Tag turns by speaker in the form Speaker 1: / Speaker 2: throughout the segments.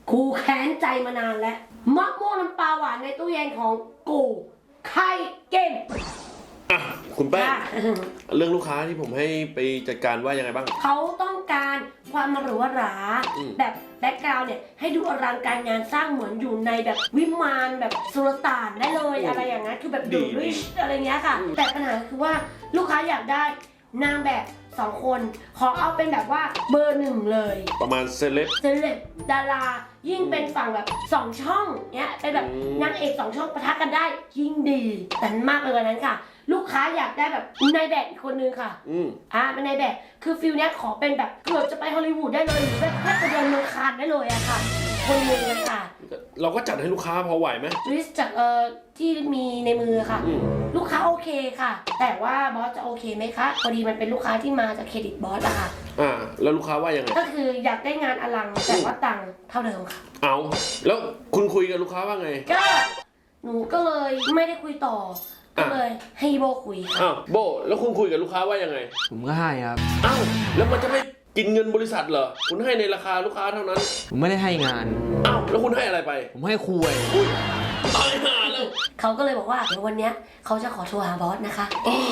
Speaker 1: กูแค้นใจมานานแล้วมะม่วงน้ำปลาหวานในตู้เย็นของกูใครเก่ง
Speaker 2: คุณแป้งเรื่องลูกค้าที่ผมให้ไปจัดการว่ายังไงบ้าง
Speaker 1: เขาต้องการความหรูหราแบบแบ็คกราวด์เนี่ยให้ดูอลังการงานสร้างเหมือนอยู่ในแบบวิมานแบบสุลต่านได้เลยอะไรอย่างนั้นคือแบบดูริชอะไรเงี้ยค่ะแต่ปัญหาคือว่าลูกค้าอยากได้นางแบบ2 คนขอเอาเป็นแบบว่าเบอร์ 1เลย
Speaker 2: ประมาณเซเลบ
Speaker 1: ดารายิ่งเป็นฝั่งแบบ2 ช่องเนี้ยเป็นแบบนางเอก2 ช่องปะทะกันได้ยิ่งดีแต่มากไปกว่านั้นค่ะลูกค้าอยากได้แบบนายแบบอีกคนนึงค่ะเป็นนายแบบคือฟิลเนี้ยขอเป็นแบบเกือบจะไปฮอลลีวูดได้เลยหรือแบบแค่จะเดินเมืองคานได้เลยอะค่ะคนนึงค่ะ
Speaker 2: เราก็จัดให้ลูกค้าพอไหวไหม
Speaker 1: ลิสต์จากที่มีในมือค่ะลูกค้าโอเคค่ะแต่ว่าบอสจะโอเคไหมคะพอดีมันเป็นลูกค้าที่มาจากเครดิตบอสอะค่ะ
Speaker 2: แล้วลูกค้าว่ายังไง
Speaker 1: ก็คืออยากได้งานอลังแต่ว่าตังค์เท่าเดิมค่ะ
Speaker 2: เอาแล้วคุณคุยกับลูกค้าว่าไง
Speaker 1: ก็หนูก็เลยไม่ได้คุยต่อก็เลยให้โบคุยค่ะ
Speaker 2: โบแล้วคุณคุยกับลูกค้าว่ายังไง
Speaker 3: ผมก็ให้ครับ
Speaker 2: แล้วมันจะไม่กินเงินบริษัทเหรอคุณให้ในราคาลูกค้าเท่านั้น
Speaker 3: ผมไม่ได้ให้งาน
Speaker 2: แล้วคุณให้อะไรไป
Speaker 3: ผมให้คุย
Speaker 2: ตายห่าแล้ว
Speaker 1: เขาก็เลยบอกว่าเดี๋ยววันนี้เขาจะขอโทรหาบอสนะคะ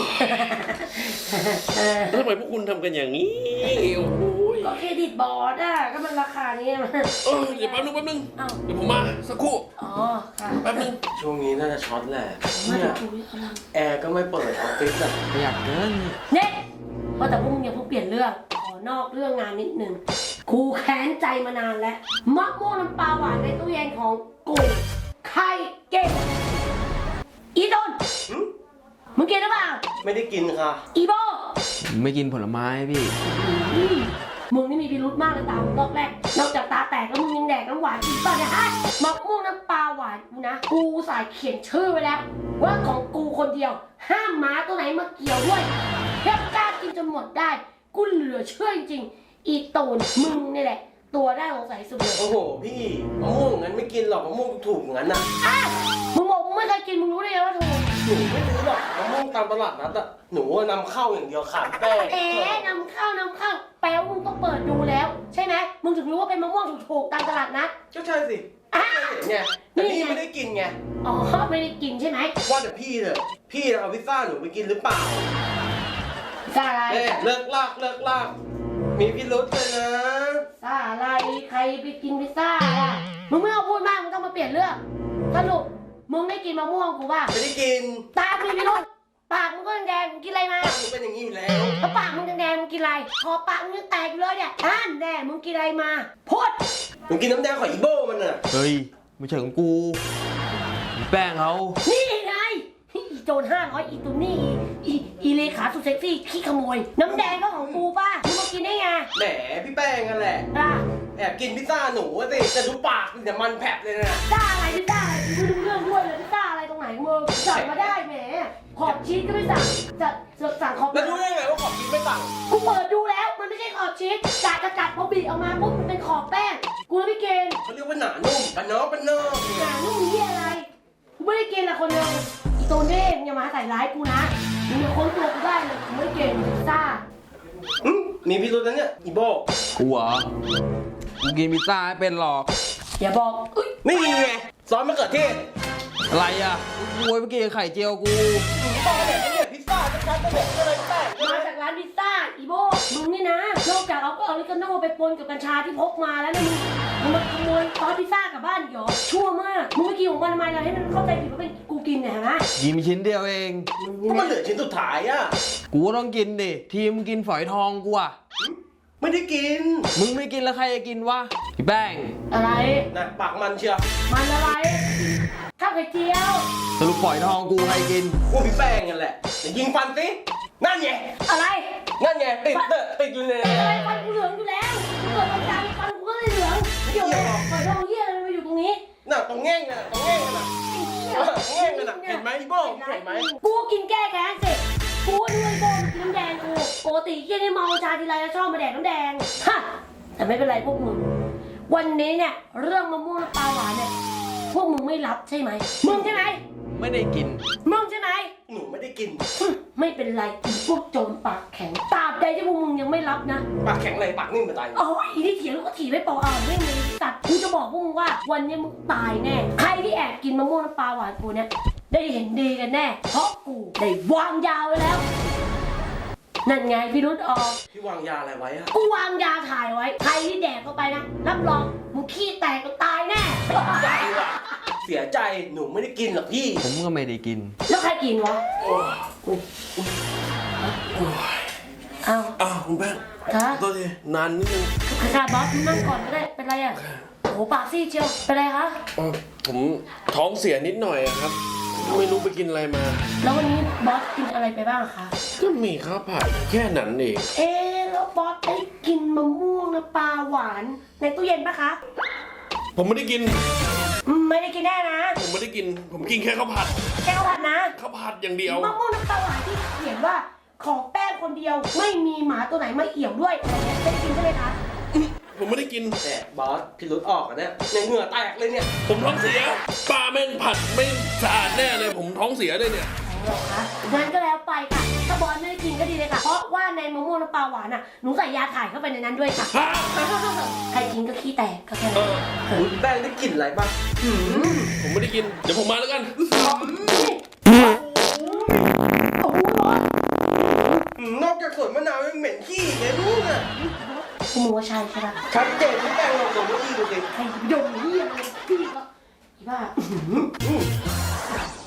Speaker 2: ทำไมพวกคุณทำกันอย่างนี้โอ้โห
Speaker 1: ก็เครดิตบอสก็มันราคานี้มัน
Speaker 2: เดี๋ยวแป๊บนึงเดี๋ยวผมมาสักครู่
Speaker 1: ค่ะ
Speaker 2: แป๊บนึง
Speaker 4: ช่วงนี้น่าจะช็อตแหละเนี่ยแอร์ก็ไม่เปิดออฟฟิศอะ
Speaker 3: อยากเกิน
Speaker 1: เนี่ยเพราะแต่พวกมึงอย่าเพิ่งเปลี่ยนเรื่องขอนอกเรื่องงานนิดนึงกูแค้นใจมานานแล้วมะม่วงน้ำปลาหวานในตู้เย็นของกูใครเก่งอีต้นมึงกินหรือเปล่า
Speaker 4: ไม่ได้กินค่ะ
Speaker 1: อีโบ
Speaker 3: ไม่กินผลไม้พี่
Speaker 1: มึงนี่มีพิรุธมากเลยตามรอบแรกนอกจากตาแตกแล้วมึงยังแดกน้ำหวานอีกป่ะเนี่ยฮะมะม่วงน้ำปลาหวานกูนะกูสายเขียนชื่อไว้แล้วว่าของกูคนเดียวห้ามหมาตัวไหนมาเกี่ยวด้วยแค่กล้ากินจนหมดได้กูเหลือเชื่อจริงๆอีตูนมึงนี่แหละตัวได้สงสัยสุดเลย
Speaker 4: โอ้โหพี่มะม่วงงั้นไม่กินหรอกมะม่วงถูกงั้นนะ
Speaker 1: มึงบอกมึงไม่เคยกินมึงรู้ได้ไงว่าถูก
Speaker 4: หนูไม่ซื้อหรอกมะม่วงตามตลาดนัดอะหนูนำเข้าอย่างเดียวขาดแป้ง
Speaker 1: นำเข้าแปลว่ามึงต้องเปิดดูแล้วใช่ไหมมึงถึงรู้ว่าเป็นมะม่วงถูกตามตลาดนัด
Speaker 4: ก็ใช่สิเนี่ยแต่นี่ไม่ได้กินไง
Speaker 1: ไม่ได้กินใช่ไหม
Speaker 4: ว่าแต่พี่เถอะพี่เอาพิซซ่าหนูไปกินหรือเปล่า
Speaker 1: พิซซ่าอะไร
Speaker 4: เลิกลากมีพิรุธเลยนะ
Speaker 1: พิซซ่าอะไรใครไปกินพิซซ่ามึงไม่เอาพูดมากมึงต้องมาเปลี่ยนเรื่องสรุปมึงได้กินมะม่วงกูป่ะ
Speaker 4: ไม่ได้กิน
Speaker 1: ตามีพิรุธปากมึงก็แดงมึงกินอะไรมา
Speaker 4: ปากมึงเป็นอย่างนี้อยู่แล้ว
Speaker 1: ปากมึงแดงมึงกินอะไรคอปากมึงยังแตกอยู่เลยเนี่ยแน่มึงกินอะไรมาพูด
Speaker 4: มึงกินน้ำแดงของอีโบมันน่ะ
Speaker 3: เฮ้ยไม่ใช่ของกูแป้งเขา
Speaker 1: นี่ไงอีโจร500อีตุนี่อีเลขาสุดเซ็กซี่ขี้ขโมยน้ำแดงก็ของกูป่ะมึงมากินได้ไง
Speaker 4: แหมพี่แป้งกันแหละแอบกินพิซซ่าหนูสิแต่ดูปากมันจะมันแผลบเลยนะ
Speaker 1: พิซซ่าอะไรพิซซ่ากูดูเรื่องด้วยเลยพิซซ่าอะไรตรงไหนมึงสั่งมาได้แหมขอบชีสก็ไม่สั่งจะสั่งขอบ
Speaker 4: แล้วรู้ได้ไงว่าขอบชีสไม่สั่ง
Speaker 1: กูเปิดดูแล้วมันไม่ใช่ขอบชีสกัดพอบีออกมาปุ๊บมันเป็นขอบแป้งกูเลยไม่กิน
Speaker 4: เขาเรียกว่าหนานุ่มปะเนาะ
Speaker 1: หนานุ่มนี่อะไรกูไม่ได้กินละคนเดียวอีโตเน่อย่ามาใส่ร้ายกูนะมึงอย่าค้นตัวกูได้เลยกูไม่เก่งพิซซ่า
Speaker 4: มีพิรุธนะเนี่ยอีโบ
Speaker 3: กูเหรอกูกินพิซซ่าไม่เป็นหรอก
Speaker 1: อย่าบอก
Speaker 4: นี่ไงซอสมะเขือเทศ
Speaker 3: อะไรอ่ะกูไปกินไข่เจียวกู
Speaker 4: ต้องมาเด็ดพิซซ่าชัดๆมาเด็ดก็เลยแป้ง
Speaker 1: มาจากร้านพิซซ่าอีโบมึงนี่นะนอกจากเอาก็เอาลิกาโน่ไปปนกับกัญชาที่พกมาแล้วนะมึงมาขโมยซอสพิซซ่ากลับบ้านเหรอชั่วมากมึงไม่กินของมันทำไมล่ะให้มันเข้าใจผิดว่าเป็นกูกินเนี่ยนะ
Speaker 3: กินชิ้นเดียวเอง
Speaker 4: ก็มันเหลือชิ้นสุดท้ายอ่ะ
Speaker 3: กูต้องกินดิทีมกินฝอยทองกูอ่ะ
Speaker 4: ไม่ได้กิน
Speaker 3: มึงไม่กินแล้วใครจะกินวะพี่แป้ง
Speaker 1: อะไร
Speaker 4: นะปากมันเชียว
Speaker 1: มันอะไรข้าวไข่เจียว
Speaker 3: สรุปฝอยทองกูใครกิน
Speaker 4: กูพี่แป้งกันแหละยิงฟันสินั่นไง
Speaker 1: อะไร
Speaker 4: นั่นไงติดอยู่เลย
Speaker 1: อะไรฟันกูเหลืองอยู่แล้วกูเกิดวันจันทร์ฟันกูก็เลยเหลืองเดี๋ยวฝอยทองเหี้ยอะไรมาอยู่ตรงนี้
Speaker 4: น่ะตรงแง่งน่ะตรงแง่งน่ะแง่งน่ะเห็นไหมอีโบ้เห็นไหม
Speaker 1: กูกินแก้แค้นเสร็จกูด้วยโบกินน้ำแดงกูปกติที่นี่เมาชาทีไรชอบมาแดกน้ำแดงฮะแต่ไม่เป็นไรพวกมึงวันนี้เนี่ยเรื่องมะม่วงน้ำปลาหวานเนี่ยพวกมึงไม่รับใช่ไหมมึงใช่ไหม
Speaker 3: ไม่ได้กิน
Speaker 1: มึงใช่ไหม
Speaker 4: หนูไม่ได้กิน
Speaker 1: ไม่เป็นไรพวกโจรปากแข็งตราบใดที่พวกมึงยังไม่รับนะ
Speaker 4: ปากแข็งเลยปากนิ่มมาตาย
Speaker 1: โอ้ยอีนี่เถียงแล้วก็ถีบไม่เปล่าไม่มีตัดกูจะบอกพวกมึงว่าวันนี้มึงตายแน่ใครที่แอบกินมะม่วงน้ำปลาหวานกูเนี่ยได้เห็นดีกันแน่เพราะกูได้วางยาไว้แล้วนั่นไงพี่รุธออก
Speaker 4: พี่วางยาอะไรไว้อะ
Speaker 1: กูวางยาถ่ายไว้ใครที่แดกเข้าไปนะรับรองมึงขี้แตกก็ตายแน่
Speaker 4: ใจว่ะเสียใจหนูไม่ได้กินหรอกพี่
Speaker 3: ผมก็ไม่ได้กิน
Speaker 1: แล้วใครกินวะ
Speaker 4: โอ้ย
Speaker 1: เอา
Speaker 2: อ้าวคุณแป้ง
Speaker 1: ฮะ
Speaker 2: ตัวทีนานนิดนึง
Speaker 1: ค่ะบอสนั่งก่อนก็ได้เป็นไรอ่ะโอ้โหปากซีดเชียวเป็นไรคะ
Speaker 2: ผมท้องเสียนิดหน่อยอะครับ ไม่รู้ไปกินอะไรมา
Speaker 1: แล้ววันนี้บอสกินอะไรไปบ้างคะ
Speaker 2: ก็มีข้าวผัดแค่นั้นเอง
Speaker 1: เอ๊ะแล้วบอสได้กินมะม่วงน้ำปลาหวานในตู้เย็นปะคะ
Speaker 2: ผมไม่ได้กิน
Speaker 1: ไม่ได้กินแน่นะ
Speaker 2: ผมไม่ได้กิน ผมกินแค่ข้าวผัด
Speaker 1: แก้วผัดนะ
Speaker 2: ข้าวผัดอย่างเดียว
Speaker 1: มะม่วงน้ำปลาหวานที่เขียนว่าของแป้งคนเดียวไม่มีหมาตัวไหนมาเอี่ยวด้วยอะไรเงี้ยได้กินใช่ไหมคะ
Speaker 2: ผมไม่ได้กิน
Speaker 4: แต่บอสพี่รุดออกอะเนี่ยในเหงื่อแตกเลยเนี่ย
Speaker 2: ผมท้องเสียปลาแม่งผัดไม่สะอาดแน่เลย ผมท้องเสียเลยเนี่ย
Speaker 1: หรอคะงั้นก็แล้วไปค่ะถ้าบอสไม่ได้กินก็ดีเลยค่ะ เพราะว่าในมะม่วงน้ำปลาหวานน่ะหนูใส่ยาถ่ายเข้าไปในนั้นด้วยค่ะ
Speaker 2: ฮะ
Speaker 1: ใครกินก็ขี้แตกก็แค่
Speaker 2: เอ
Speaker 1: นั้น
Speaker 2: อ
Speaker 4: คุณแป้งได้กลิ่นอะไรบ้าง
Speaker 2: ผมไม่ได้กิน เดี๋ยวผมมาแล้วกัน
Speaker 1: โอ้โหบอส
Speaker 4: นอกจากสวนมะนาวยังเหม็นขี้เลยลูกอะ
Speaker 1: คุณหนูว่าใช่ใช่ปะ
Speaker 4: ชัดเจนพี่แป้งลองดมขี้ดูสิ
Speaker 1: ใครดมเหี้ยเลยพี่ก็อีบ้า